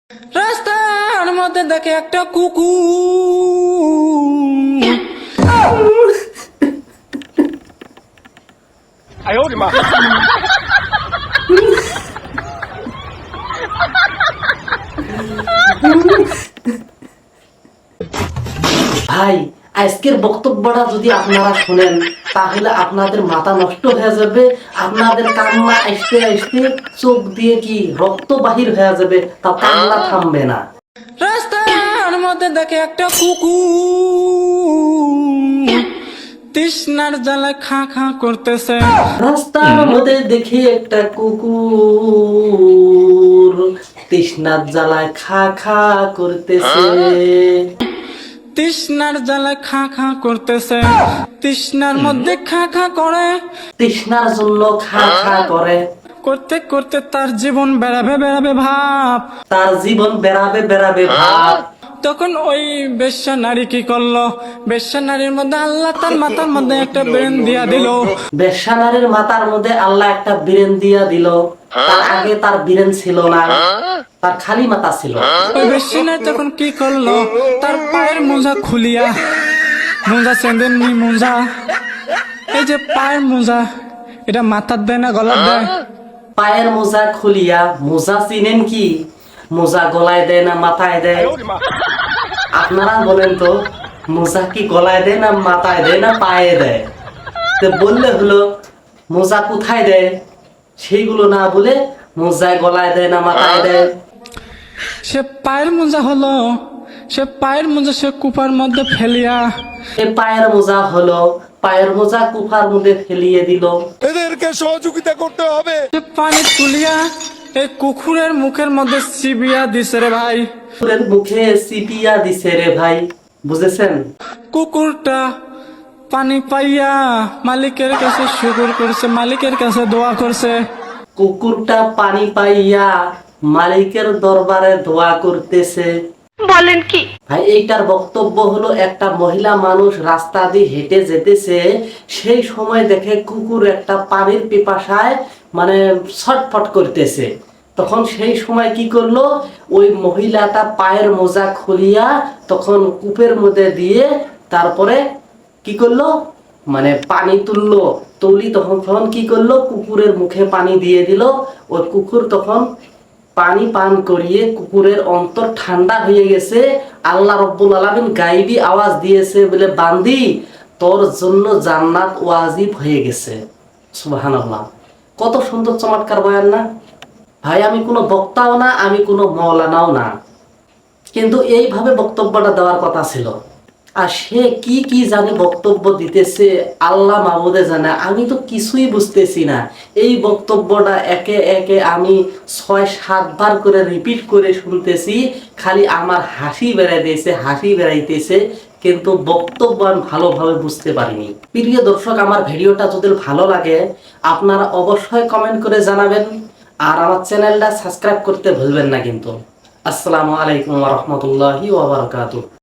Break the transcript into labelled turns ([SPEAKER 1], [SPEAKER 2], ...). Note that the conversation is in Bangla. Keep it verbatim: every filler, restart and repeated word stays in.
[SPEAKER 1] রাস্তার মধ্যে দেখে একটা কুকুর।
[SPEAKER 2] ভাই, আজকের বক্তব্যটা যদি আপনারা শুনেন তাহলে আপনাদের মাথা নষ্ট হয়ে যাবে। আপনাদের কান্না আসতে আসতে চোখ দিয়ে কি রক্ত বাহির হয়ে যাবে, তা কান্না থামবে না।
[SPEAKER 1] রাস্তার মধ্যে দেখে একটা কুকুর, তৃষ্ণার জ্বালায় খা খা করতেছে।
[SPEAKER 2] রাস্তার মধ্যে দেখি একটা কুকুর তৃষ্ণার জ্বালায় খা খা করতেছে।
[SPEAKER 1] তৃষ্ণার জ্বালায় খা খা করতেছে, তৃষ্ণার মধ্যে খা খা করে,
[SPEAKER 2] তৃষ্ণার জন্য খা খা করে।
[SPEAKER 1] করতে করতে তার জীবন বেড়াবে বেড়াবে ভাব।
[SPEAKER 2] তার জীবন বেড়াবে বেড়াবে ভাব।
[SPEAKER 1] তখন ওই বেশ্যা নারী কি করলো? বেশ্যা নারীর মধ্যে আল্লাহ তার মাথার মধ্যে একটা ব্রেন দিয়া দিল।
[SPEAKER 2] বেশ্যা নারীর মাথার মধ্যে আল্লাহ একটা বীরেন দিয়া দিল। তার আগে তার বীরেন ছিল না, তার খালি মাথা ছিল।
[SPEAKER 1] ওই বেশ্যা নারী তখন কি করলো? তার পায়ের মোজা খুলিয়া, মোজা চেঁদেননি মোজা, এই যে পায়ের মোজা, এটা মাথার দেয় না গলার দেয়?
[SPEAKER 2] পায়ের মোজা খুলিয়া, মোজা চিনেন কি? মোজা গলায় দেয় না মাথায় দেয়? আপনারা বলেন তো, মোজা কি গলায় দেয় না মাথায় দেয় না পায়ে দেয়? তো বললে হলো মোজা কোথায় দেয়, সেইগুলো না বলে মোজায় গলায় দেয় না মাথায় দেয়।
[SPEAKER 1] সে পায়ের মোজা হলো, সে পায়ের মোজা সে কুপার মধ্যে ফেলিয়া,
[SPEAKER 2] এ পায়ের মোজা হলো, পায়ের মোজা কুফার মধ্যে ফেলিয়ে দিল।
[SPEAKER 3] এদেরকে সহযোগিতা করতে হবে।
[SPEAKER 1] সে পানি তুলিয়া এই কুকুরের মুখের মধ্যে চিবিয়া দিছে রে ভাই।
[SPEAKER 2] কুকুরের মুখে সিপিয়া দিছে রে ভাই, বুঝেছেন?
[SPEAKER 1] কুকুরটা পানি পাইয়া মালিকের কাছে শুকর করছে, মালিকের কাছে দোয়া করছে।
[SPEAKER 2] কুকুরটা পানি পাইয়া মালিকের দরবারে দোয়া করতেছে।
[SPEAKER 4] বলেন কি?
[SPEAKER 2] ভাই, এইটার বক্তব্য হলো একটা মহিলা মানুষ রাস্তা দিয়ে হেঁটে যেতেছে, সেই সময় দেখে কুকুর একটা পানির পিপাসায় মানে ছটফট করতেছে। তখন সেই সময় কি করলো, ওই মহিলাটা পায়ের মোজা খুলিয়া তখন কূপের মধ্যে দিয়ে তারপরে কি করলো, মানে পানি তুললো। তুলি তখন তখন কি করলো, কুকুরের মুখে পানি দিয়ে দিল। ওই কুকুর তখন পানি পান করিয়ে কুকুরের অন্তর ঠান্ডা হয়ে গেছে। আল্লাহ রব্বুল আলামিন গাইবি আওয়াজ দিয়েছে বলে, বান্দি তোর জন্য জান্নাত ওয়াজিব হয়ে গেছে। সুবহানাল্লাহ। কত সুন্দর চমৎকার বয়ান না ভাই? আমি কোনো বক্তাও না, আমি কোনো মৌলানাও না, কিন্তু এইভাবে বক্তব্যটা দেওয়ার কথা ছিল। আর সে কি কি জানে বক্তব্য দিতেছে, আল্লাহ মাবুদে জানে। আমি তো কিছুই বুঝতেছি না। এই বক্তব্যটা একে একে আমি ছয় সাতবার করে রিপিট করে শুনতেছি, খালি আমার হাসি বেড়াইতেছে হাসি বেড়াইতেছে কিন্তু বক্তব্য আমি ভালোভাবে বুঝতে পারিনি। প্রিয় দর্শক, আমার ভিডিওটা যদি ভালো লাগে আপনারা অবশ্যই কমেন্ট করে জানাবেন, আর আমার চ্যানেলটা সাবস্ক্রাইব করতে ভুলবেন না কিন্তু। আসসালামু আলাইকুম ওয়া রাহমাতুল্লাহি ওয়া বারাকাতুহু।